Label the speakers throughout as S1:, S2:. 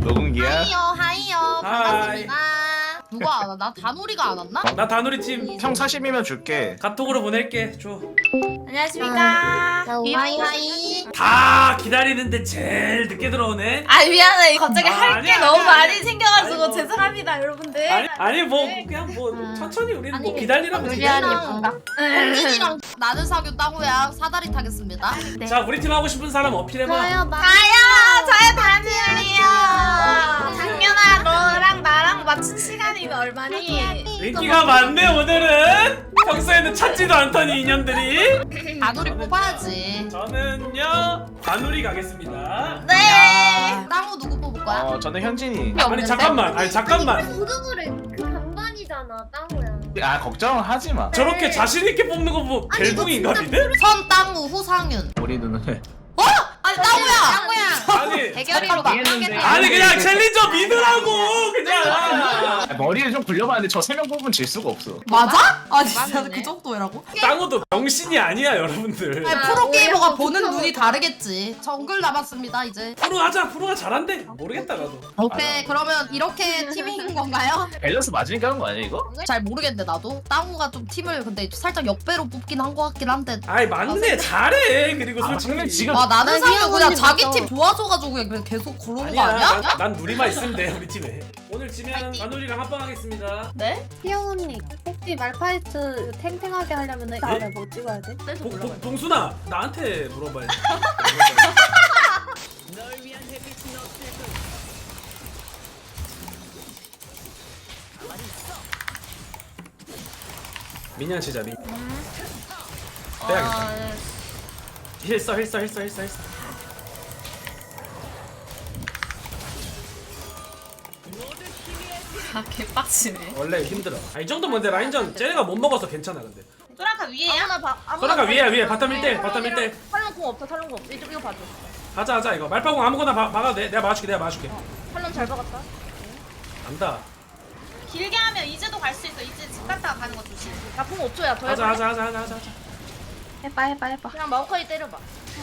S1: 녹음기야?
S2: 하이요 반갑습니다. 누가 안 왔나? 다누리가 안 왔나?
S3: 나 다누리 팀
S1: 형 40이면 줄게.
S3: 카톡으로 보낼게. 줘.
S4: 안녕하십니까.
S2: 하이.
S3: 다 기다리는데 제일 늦게 들어오네.
S4: 아 미안해. 갑자기 할 게
S3: 아니야,
S4: 너무
S3: 아니야,
S4: 많이
S3: 아니야.
S4: 생겨가지고
S3: 아니, 뭐.
S4: 죄송합니다 여러분들.
S3: 아니 뭐 그냥 뭐 천천히 우리는 뭐 기다리라고
S2: 유리한
S3: 기다려.
S2: 예쁜가? 언니랑 나는 사귀 땅우야 사다리 타겠습니다.
S3: 자 우리 팀 하고 싶은 사람 어필해봐.
S4: 저요 다누리요. 장윤아 너랑 나랑 맞춘 시간이 얼마니?
S3: 인기가 많네 오늘은. 평소에는 찾지도 않더니 인연들이.
S2: 다누리 뽑아야지.
S3: 저는요 다누리 가겠습니다.
S4: 네.
S2: 땅우 누구 뽑을 거야?
S1: 저는 현진이.
S3: 아니 잠깐만. 아니 잠깐만.
S5: 모두그래 그 반반이잖아 땅우야.
S1: 아 걱정하지 마.
S3: 저렇게 자신 있게 뽑는 거 뭐 벨붕인가 니네?
S2: 선 땅우 후상윤.
S1: 우리 누나는
S2: 아니 땅우야.
S3: 아니
S2: 대결이로 망하겠네.
S3: 아니 그냥 챌린저 믿으라고 그냥.
S1: 머리를 좀 굴려봤는데 저 3명 뽑으면 질 수가 없어.
S2: 맞아? 아니 진짜 그 정도라고?
S3: 땅우도 병신이 아니야 여러분들.
S2: 아니, 프로게이머가 보는 눈이 다르겠지. 정글 남았습니다 이제.
S3: 프로 하자. 프로가 잘한대. 모르겠다 나도.
S2: 오케이 그러면 이렇게 팀인 건가요?
S1: 밸런스 맞으니까 하는 거 아니야 이거?
S2: 잘 모르겠는데 나도 땅우가 좀 팀을 근데 살짝 역배로 뽑긴 한 것 같긴 한데.
S3: 아이 맞네 잘해. 그리고
S1: 근데
S3: 솔직히
S1: 지금
S2: 와 나는
S5: 희영
S2: 그냥
S5: 언니
S2: 자기
S5: 맞아.
S2: 팀 좋아져가지고 그냥 계속 그러는 거
S3: 아니야.
S2: 아니야?
S3: 난 누리만 있으면 돼 우리 팀에. 오늘 지면 다누리랑 합방하겠습니다.
S4: 네?
S5: 희영 언니 혹시 말파이트 탱탱하게 하려면 다음에 뭐 찍어야 돼?
S3: 봉순아 나한테 물어봐야지. 미니언 치자 미. 빼야겠다. 힐써.
S4: 아 개빡치네.
S3: 원래 힘들어. 이 정도면 내 라인전 쟤네가 못 먹어서 괜찮아 근데.
S4: 소라카 위에야?
S3: 소라가 위에 바텀 1대 바텀 1대.
S6: 탈론 공 없어 탈론 공 없어 이거 봐줘
S3: 하자 이거 말파공 아무거나 막아도 돼. 내가 막아줄게.
S6: 탈론 잘 박았다
S3: 안다.
S4: 길게 하면 이제도 갈 수 있어. 이제 집 갔다가 가는 거 조심.
S6: 나공 5초야 더
S3: 하자.
S6: 해봐
S5: 해봐.
S6: 그냥 마오카이 때려봐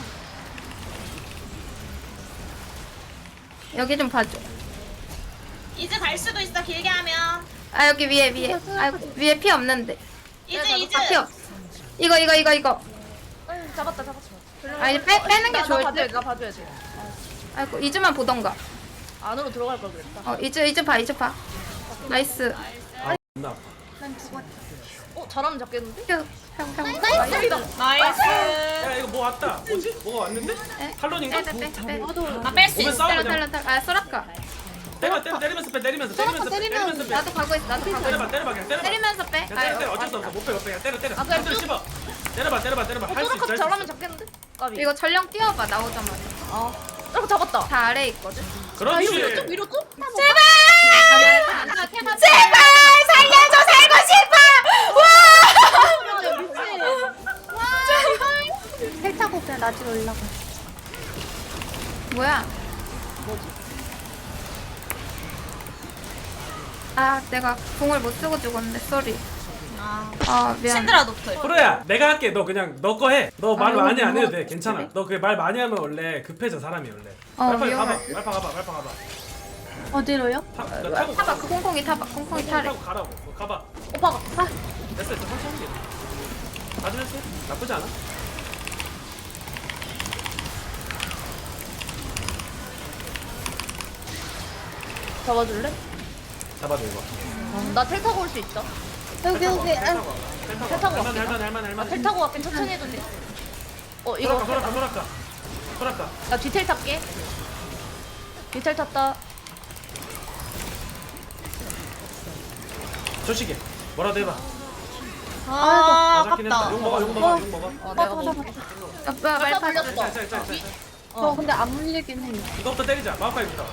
S5: 여기 좀 봐줘.
S4: 이제 갈 수도 있어. 길게 하면.
S5: 아 여기 위에. 아이고 위에 피 없는데.
S4: 이제.
S5: 피 없. 이거.
S6: 응 잡았다
S5: 아 이제 빼는 게 좋을 듯.
S6: 나 봐줘야지
S5: 아이고 이즈만 보던가.
S6: 안으로 들어갈 걸 그랬다
S5: 이즈 봐. 나이스.
S3: 존나 아파.
S6: 잘하면 잡겠는데?
S5: 형.
S4: 나이스.
S3: 야 이거 뭐 왔다. 뭐지? 뭐가 왔는데? 탈론인가?
S5: 빼.
S4: 나 뺄 수
S3: 오면
S4: 있어.
S3: 싸워 그냥.
S5: 아 소라카.
S3: 때리면서 빼. 때리면서 빼.
S5: 나도 가고 있어.
S3: 때려봐 그냥 때려봐.
S5: 때리면서 빼.
S3: 그냥 때려. 어쩔 수 없어. 못 빼. 그냥 때려.
S6: 그냥
S3: 때려 씹어. 때려봐. 할 수 있어.
S6: 소라카 잘하면 잡겠는데? 까비
S5: 이거 전령 띄워봐 나오자마자.
S6: 소라카 잡았다
S5: 다 아래 있거든.
S3: 그렇지.
S6: 위로 또?
S5: 제발 살려줘 살고 싶어. 텔 타고 그냥 낮으로 올라가. 뭐야? 아 내가 공을 못 쓰고 죽었네. 쏘리. 아 미안.
S4: 신드라 노플.
S3: 프로야 내가 할게. 너 그냥 너 거 해. 너 말
S5: 이거
S3: 많이 안 해도
S5: 뭐-
S3: 돼. 괜찮아. 너 그 말 많이 하면 원래 급해져 사람이 원래. 말파
S5: 위험해.
S3: 가봐. 말파 가봐.
S5: 어디로요?
S3: 너 타고
S5: 타봐 그 콩콩이 타봐. 콩콩이 타래.
S3: 타고 가라고. 가봐.
S6: 오빠가
S3: 됐어. 천천히 해. 가져냈어. 나쁘지 않아.
S6: 잡아줄래?
S3: 잡아줘 이거.
S6: 나 텔 타고 올 수 있어
S5: 여기
S3: 텔 타고.
S6: 갈게.
S3: 할만해.
S6: 텔 타고 갈게 천천히 해도 돼 이거
S3: 소라카.
S6: 나 뒤텔 탈게 뒤텔 탔다
S3: 조식이. 뭐라도 해봐.
S4: 아
S3: 잡긴 했다.
S4: 아깝다.
S3: 욕 먹어.
S6: 내가 먹을게
S5: 아빠 말파.
S6: 물렸어
S5: 저 근데 안 물리긴 해.
S3: 이거부터 때리자. 마오카이부터.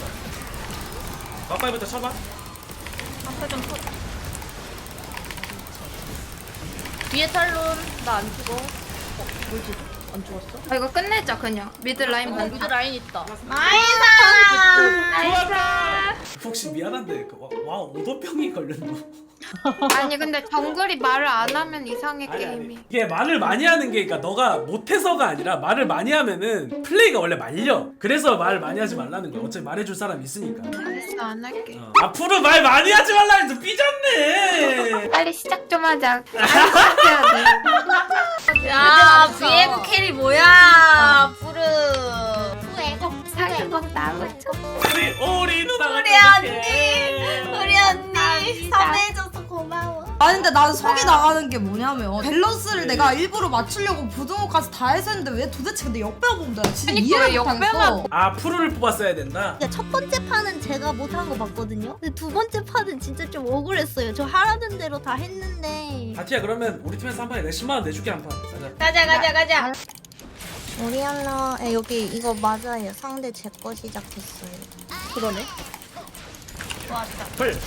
S3: 마오카이부터 쳐봐.
S6: 뒤에 탈론 나 안 죽어 뭐지? 안 죽었어?
S5: 아 이거 끝내자 그냥. 미드 라인
S6: 미드
S5: 많다.
S6: 라인 있다
S4: 나이스.
S5: 나이스.
S3: 혹시 미안한데 와 오도병이 걸렸노?
S5: 아니 근데 정글이 말을 안 하면 이상해
S3: 아니,
S5: 게임이.
S3: 이게 말을 많이 하는 게 그러니까 너가 못해서가 아니라 말을 많이 하면은 플레이가 원래 말려. 그래서 말 많이 하지 말라는 거야. 어차피 말해줄 사람 있으니까.
S5: 알았어 안 할게.
S3: 앞으로 말 많이 하지 말라 해서 삐졌네.
S5: 빨리 시작 좀 하자. 시작해야 돼.
S4: 야 비에고 캐리 뭐야 푸르.
S5: 살것 나고 있어.
S3: 우리 누나가
S4: 우리 언니 섭외해줘서 고마워.
S2: 아니 근데 난 속이 나가는 게 뭐냐면 밸런스를 내가 일부러 맞추려고 부등호까지 다 해서 했는데 왜 도대체 근데 역배우 본다 진짜
S5: 그러니까
S2: 이해를 못하겠어.
S3: 아 푸르를 뽑았어야 된다.
S7: 그러니까 첫 번째 판은 제가 못한 거 봤거든요. 근데 두 번째 판은 진짜 좀 억울했어요. 저 하라는 대로 다 했는데.
S3: 바티야 그러면 우리 팀에서 한 판에 내가 10만 원 내줄게 한 판. 가자.
S4: 가자.
S7: 오리아나 여기 이거 맞아요. 상대 제 거 시작했어요.
S6: 그러네.
S3: 풀.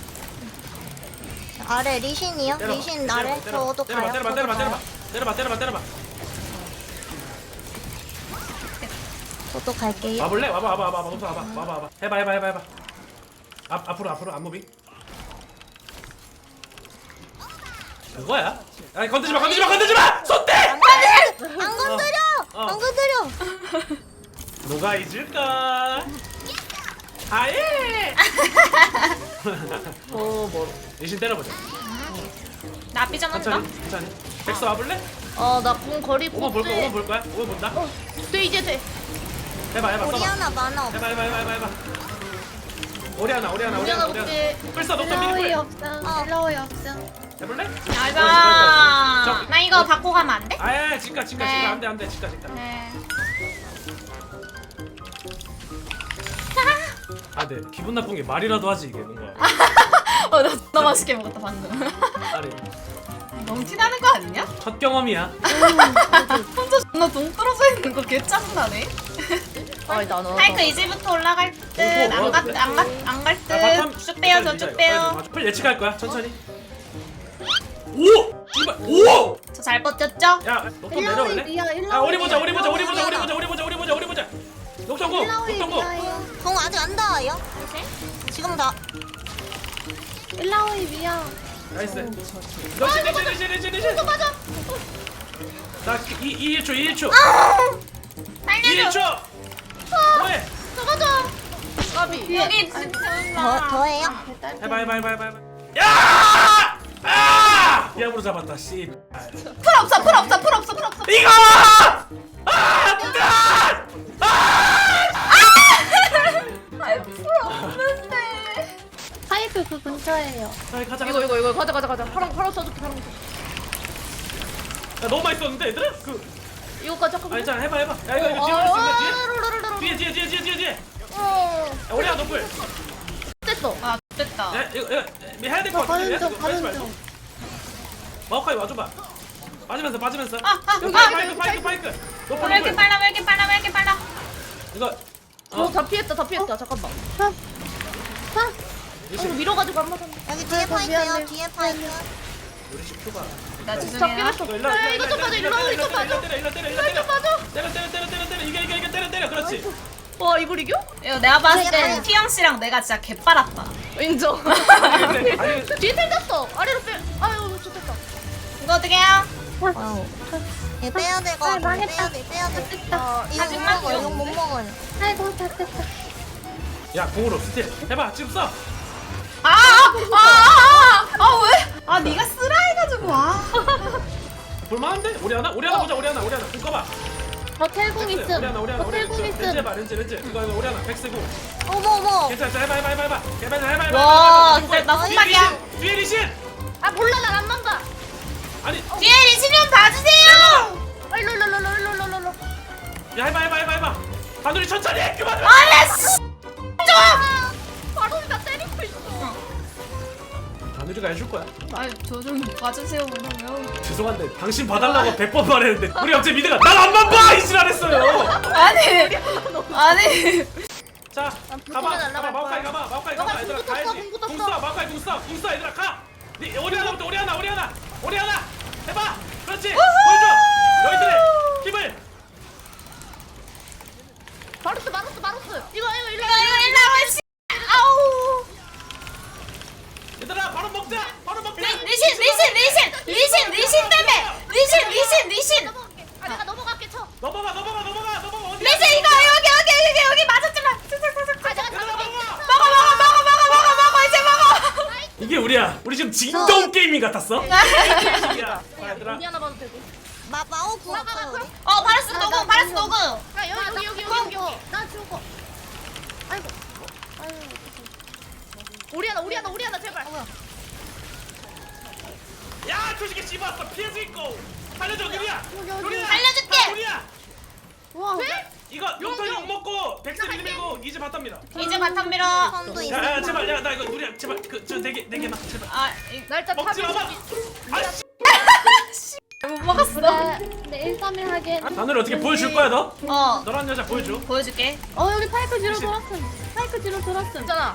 S7: 아래 리신이요?
S3: 때려봐,
S7: 리신 아래 저도 가요.
S3: 때려봐.
S7: 저도 갈게요.
S3: 와볼래? 와봐. 해봐. 앞으로 안 무빙. 그거야? 아니 건드지 마! 손대!
S7: 안 건드려!
S3: 어.
S7: 안 건드려!
S3: 누가 잊을까? 아예! 뭐 리신 때려보자.
S4: 나 삐져나온다.
S3: 천천히. 백서 와볼래?
S6: 나 공 거리고.
S3: 오만 볼 거야? 오만 본다?
S6: 돼 이제 돼.
S3: 해봐 써봐.
S7: 오리아나 만화 없어.
S3: 해봐. 오리아나.
S6: 우리가 볼게.
S3: 불사 녹턴 미니풀.
S5: 없어. 일러이 없어.
S3: 해볼래?
S4: 알바. 나 이거 바꿔 가면 안 돼?
S3: 아예 진가 안돼 진가.
S4: 네.
S3: 아, 네 기분 나쁜 게 말이라도 하지 이게 뭔가.
S4: 나 너무 맛있게 먹었다 방금.
S3: 아니
S4: 너무 티나는 거 아니냐?
S3: 첫 경험이야.
S4: 혼자 존나 동 떨어져 있는 거 개 짜증나네.
S6: 아니 나는.
S4: 파이크 이제부터 올라갈 듯. 안갈 듯. 쭉 빼요 저쭉 빼요.
S3: 풀 예측할 거야 천천히. 오! 이발 오!
S4: 저 잘 버텼죠?
S3: 야 녹턴 내려올래? 야 우리 보자. 녹턴고.
S7: 공 아직 안 닿아요? 지금 다.
S5: 일라오이 미야.
S3: 나이스. 리신. 또 맞아. 나 2초.
S4: 살려줘.
S3: 2초. 뭐해?
S6: 까비.
S4: 여기
S7: 더해요?
S3: 해봐. 야! 아! 야부로 잡았다. 씨.
S4: 풀 없어.
S3: 이거! 아!
S4: 풀 없는데.
S5: 파이프 그 근처에요.
S3: 가자.
S6: 이거 가자. 파랑 써줄게 파랑.
S3: 야, 너무 많이 썼는데 얘들아?
S6: 이거까지 잠깐만.
S3: 아니 자 해봐. 야 이거 뒤에 올릴 수 있나? 뒤에. 야 우리야 너플.
S6: 됐어.
S4: 아 됐다.
S3: 야 이거 해야 될 것 같은데.
S5: 가는 중.
S3: 마오카이 와줘봐. 빠지면서. 파이크.
S4: 왜 이렇게 빨라?
S3: 이거
S6: 다 피했다. 잠깐만. 밀어가지고 안 맞았네.
S7: 여기 뒤에 파이크요. 뒤에 파이크.
S3: 우리 집 큐바.
S4: 나
S6: 잡긴
S4: 죄송해요.
S6: 했어. 야 이거 좀 맞아. 일로 이거 맞아.
S3: 때려. 이겨. 때려. 그렇지.
S6: 와 이걸 이겨?
S4: 이거 내가 봤을 땐 티영 씨랑 내가 진짜 개빨았다.
S6: 인정.
S3: 아니
S6: 뒤에 텔 떴어. 아래로 빼. 아유 좋겠다.
S4: 이거 어떻게 해요?
S7: 와우. 얘 빼야 될 거 같은데. 빼야 돼. 이거 못 먹어요.
S5: 아이고 다 됐다.
S3: 야 공으로 스틸 해봐. 지금 써.
S4: 왜? 네가 쓰라 해가지고
S3: 볼만한데? 우리 하나 보자. 공 꺼봐.
S5: 버텔공 있음.
S3: 오리아나.
S5: 버텔공
S3: 렌즈
S5: 있음.
S3: 해봐. 렌즈. 이거 오리아나 100쓰고.
S7: 어머.
S3: 괜찮아. 해봐.
S4: 와 진짜 나 혼나기야.
S3: 뒤에 리신.
S6: 아 몰라 난 안 만다.
S3: 아니.
S4: 뒤에 리신 좀 봐주세요.
S6: 일로.
S3: 야 해봐. 바늘이 천천히 해. 그만.
S6: 바로 나 때리고 있어.
S3: 바늘이가 해줄 거야.
S4: 저 좀 봐주세요 그러면.
S3: 죄송한데 당신 봐달라고 100번 말했는데 우리 갑자기 미드가 날 안만 봐! 이 지랄했어요.
S4: 아니.
S3: 자 가봐. 마오카이 가봐.
S6: 너가
S3: 얘들아
S6: 궁
S3: 가야지.
S6: 떴어.
S3: 궁 쏴. 마오카이 궁 쏴. 얘들아 가. 네, 오리아나부터 오리아나. 해봐. 그렇지. 보여줘. 너희들의 힘을.
S6: 마루스. 이거 일로.
S4: 아우.
S3: 얘들아 바로 먹자. 바로 우리야. 우리 지금 진동 게이밍 같았어. 게임식이야. 얘들아.
S6: 우리 하나 봐도 되고.
S7: 마오 구웠어요 우리.
S4: 파라스 노구 파라스 노구.
S6: 야 여기.
S5: 나 죽어. 아이고. 아이고.
S6: 우리 하나 제발.
S3: 야 조식이 씹었어. 피해서 있고. 살려줘 누리야. 누리야.
S4: 살려줄게.
S3: 누리야.
S5: 와.
S3: 이거 용돈 먹고 백스 밀고 이제 바텀니다.
S4: 이제 바텀 밀어.
S7: 선도 있어.
S3: 야 제발 나 이거 누리야 제발 그저네 개만 제발.
S6: 날짜
S3: 먹지 마봐. 아씨.
S4: 못 먹었어.
S5: 근데 1-3-1 하기엔.
S3: 단우리 어떻게 보여줄 거야 너?
S4: 어
S3: 너란 여자 보여줘.
S4: 보여줄게.
S5: 여기 파이크 뒤로 돌았음. 파이크 뒤로 돌았음.
S6: 있잖아.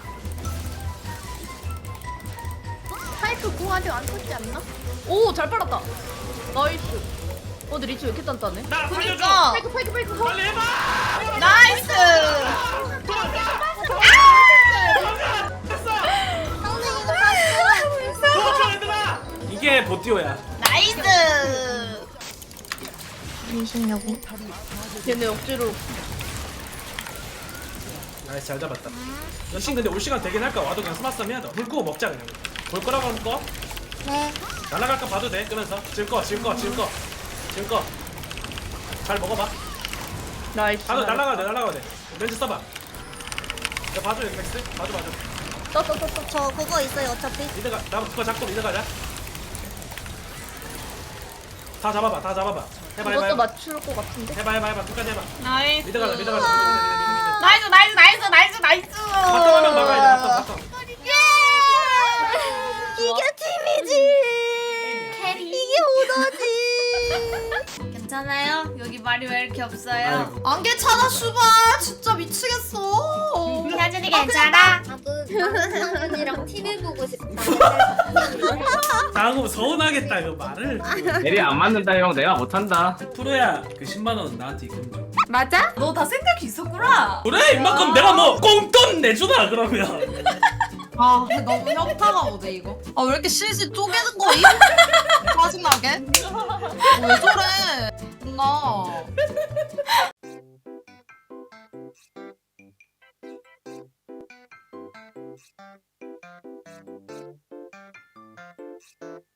S5: 파이크 공 아직 안 쳤지 않나?
S6: 오 잘 빨았다. 나이스. 근데 리치 왜 이렇게 단단해?
S3: 나 살려줘.
S4: 그니까
S6: 파이크.
S3: 빨리 해봐.
S4: 나이스.
S3: 됐어.
S7: 선생님 이거 봤어.
S3: 도와줘 얘들아. 이게 보티오야.
S4: 나이스.
S7: 미신냐고.
S6: 얘네 억지로.
S3: 나이스 잘 잡았다. 여신 근데 올 시간 되긴 할까? 와도 그냥 스마썸 해야 돼. 물 끄고 먹자 그냥. 볼 거라고 하는 거?
S7: 네.
S3: 날아갈까 봐도 돼. 끄면서 질 거. 잘 먹어봐.
S6: 나이스.
S3: 봐도 날아가야 돼. 렌즈 써봐. 야 봐줘 여기 맥스. 봐줘.
S6: 떠.
S7: 저 그거 있어요 어차피.
S3: 이드가 나 그거 잡고 이드 가자. 다 잡아봐. 해봐.
S6: 이것도 맞출 것 같은데.
S3: 해봐. 끝까지 해봐.
S4: 나이스.
S3: 미드 가자.
S4: 나이스.
S3: 바텀하면 막아야 돼. 바텀.
S7: 이게 팀이지. 이게 오더지.
S4: 괜찮아요? 여기 말이 왜 이렇게 없어요?
S2: 안 괜찮아 슈발 진짜 미치겠어.
S4: 혜진이 괜찮아?
S7: 나도 상훈이랑 TV 보고 싶다.
S3: 다음 서운하겠다 이거 말을.
S1: 내리 안 맞는다 형. 내가 못한다.
S3: 프로야 그 10만 원 나한테 입금 좀.
S2: 맞아? 너 다 생각이 있었구나.
S3: 그래 이만큼 내가 뭐 꽁돈 내주나 그러면.
S2: 아 근데 너무 현타가 오네 이거. 아 왜 이렇게 실실 쪼개는 거임? 짜증나게. 왜 저래? 나.